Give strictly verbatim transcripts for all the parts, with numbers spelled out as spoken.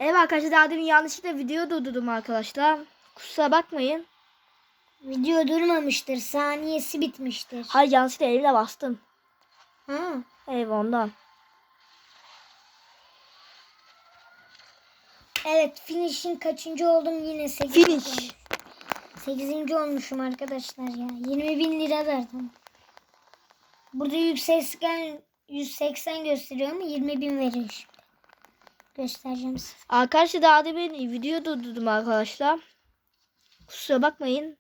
Evet arkadaşlar, daha demin yanlışlıkla video durdurdum arkadaşlar. Kusura bakmayın. Video durmamıştır. Saniyesi bitmiştir. Hayır, yanlışlıkla elimle bastım. Ha. Evet, ondan. Evet, finish'in kaçıncı oldum yine? sekiz. Finish. sekizinci olmuşum arkadaşlar ya. yirmi bin lira verdim. Burada yüz seksen, yüz seksen gösteriyor ama yirmi bin veriyor şimdi. Göstereceğim size. Arkadaşlar, daha demin video durdurdum arkadaşlar. Kusura bakmayın.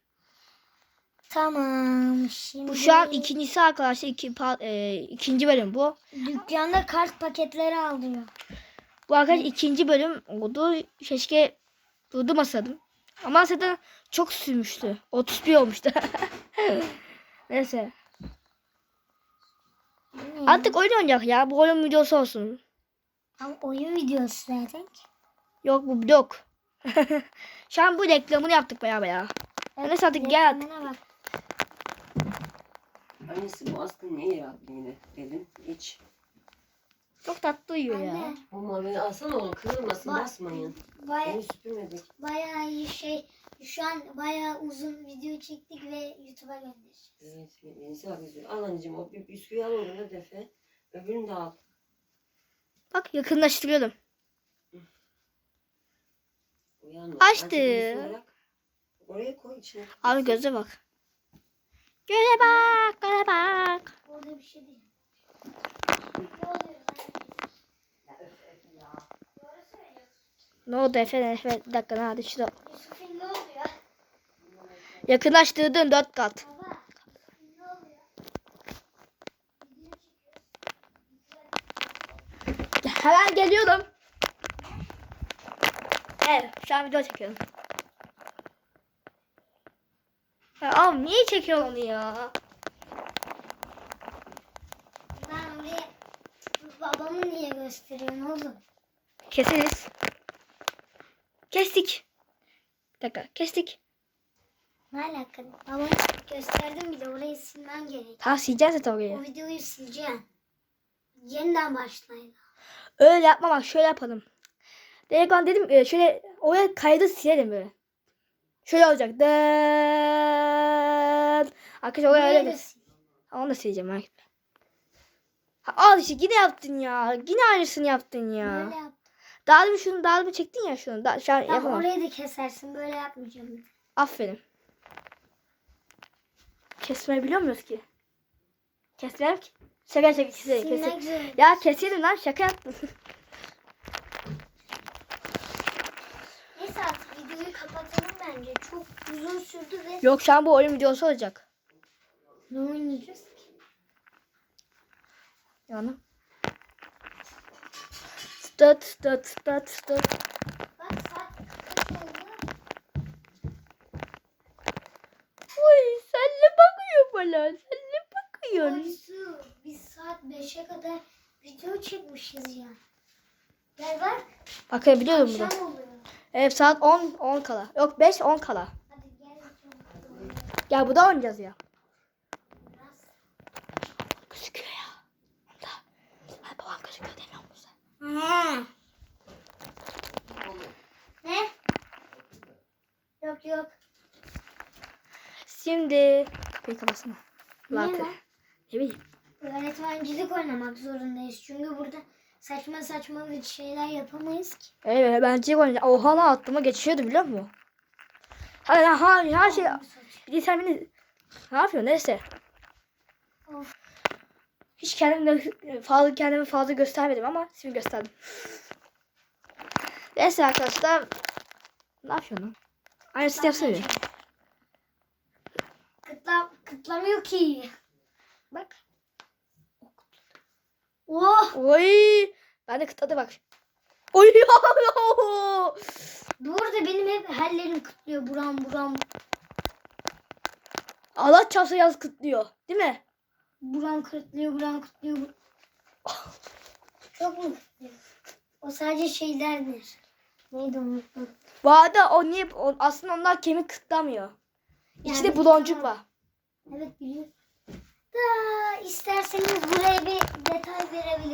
Tamam. Şimdi Bu şu an ikincisi arkadaşlar. Iki, pa- e, ikinci bölüm bu. dükkanda kart paketleri alıyor. Bu arkadaşlar ikinci bölüm oldu. Keşke durdurmasaydım. Ama zaten çok sürmüştü. otuz bir olmuştu. Neyse. Hmm. Artık oyun oynayacak ya. Bu oyun videosu olsun. Ama oyun videosu zaten. Yok, bu blok. Şu an bu reklamını yaptık beraber ya. Evet, Neyse artık gel artık. reklamına bak. Annesi bu askı niye yaptı yine dedim. Hiç. Çok tatlı uyuyor ya. Anne, O mavini alsana oğlum, kırılmasın, Bak. basmayın. baya, Onu süpürmedik. bayağı iyi şey. Şu an bayağı uzun video çektik ve YouTube'a göndereceğiz. Evet, Venisi bak yüzüyor. Al anneciğim, o bir bisküvi al orada defe. Öbürünü de al. Bak, yakınlaştırıyorum. Uyanma. Açtı. Azıcık yüzünü bırak. Oraya koy içine. Abi göze bak. Göze bak, göze bak. Orada bir şey değil. Ne oluyor? Ne oldu efendim? Efendim, bir dakika, hadi şurada. Yusuf'un ne oluyor? Yakınlaştırdın dört kat. Baba, Yusuf'un ne oluyor? Hemen geliyorum. Evet, şu an video çekiyorum. Ya abi, niye çekiyorsun onu ya? Ben oraya babamı niye gösteriyorsun oğlum? Keseriz. Kestik. Bir dakika, kestik. Ne alaka? Babamı gösterdim bile, orayı silmem gerek. Tamam, sileceğiz zaten O orayı. videoyu sileceğim. Yeniden başlayın. Öyle yapma, bak şöyle yapalım. Direkt ben dedim e, şöyle oraya kaydı silelim böyle. Şöyle olacak. Dın. Arkadaşlar oraya öyle Burayı da bir... sil. Onu da sileceğim. merak etme. Ha, al işte, yine yaptın ya. Yine aynısını yaptın ya. Böyle yap. Daha bir şunu daha bir çektin ya şunu. Da, şu an Tamam, yapamam. orayı da kesersin. Böyle yapmayacağım. Aferin. Kesmeyi biliyor muyuz ki? Kesmeyelim ki. Şaka şaka keselim. Silmek keselim. zorunda. Ya keselim lan, şaka yaptım. Neyse, artık videoyu kapatalım bence. Çok uzun sürdü ve Yok, şu an bu oyun videosu olacak. ne oynayacağız ki? Yani. Stat stat stat stat. Bak, saat kaç oldu? Uy, sen ne bakıyor bana? Sen ne bakıyorsun? Oysu, biz saat beşe kadar video çekmişiz ya. Gel bak. Bakabiliyorum burada. Akşam oluyor. Evet, saat on on kala. Yok, beş on kala. Hadi gel. Gel, bu da oynayacağız ya. Biraz. Gözüküyor ya. Onda. Ay, babam gözüküyor demiyor musun? Ha. Ne? Yok yok. Şimdi kapıyı kapatsana. Niye Latte. lan? Ne bileyim. Öğretmencilik oynamak zorundayız. Çünkü burada saçma saçma bir şeyler yapamayız ki. Evet, bence oynayacağım. Oha lan, aklıma geçiyordu biliyor musun? Hadi lan, ha, her şey. Bir de sen beni ne yapıyorsun? Neyse. Of. Hiç kendimi fazla kendimi fazla göstermedim ama şimdi gösterdim. Neyse arkadaşlar. Ne yapıyorsun lan? Aynısını yapsana bir. Kıtla, kıtlamıyor ki. Bak. Oh. Oy. Ben de kıtladı bak. Oy. Bu arada benim hep hallerim kıtlıyor. Buram buram. Allah çarpsa yaz kıtlıyor. Değil mi? Buram kıtlıyor. Buram kıtlıyor. Bur- Çok mu kıtlıyor? O sadece şeylerdir. Neydi unuttum. Bu arada o niye o, aslında onlar kemik kıtlamıyor. İçinde Yani buloncuk tamam. var. Evet, biliyorum. Da isterseniz buraya bir detay verebilirim.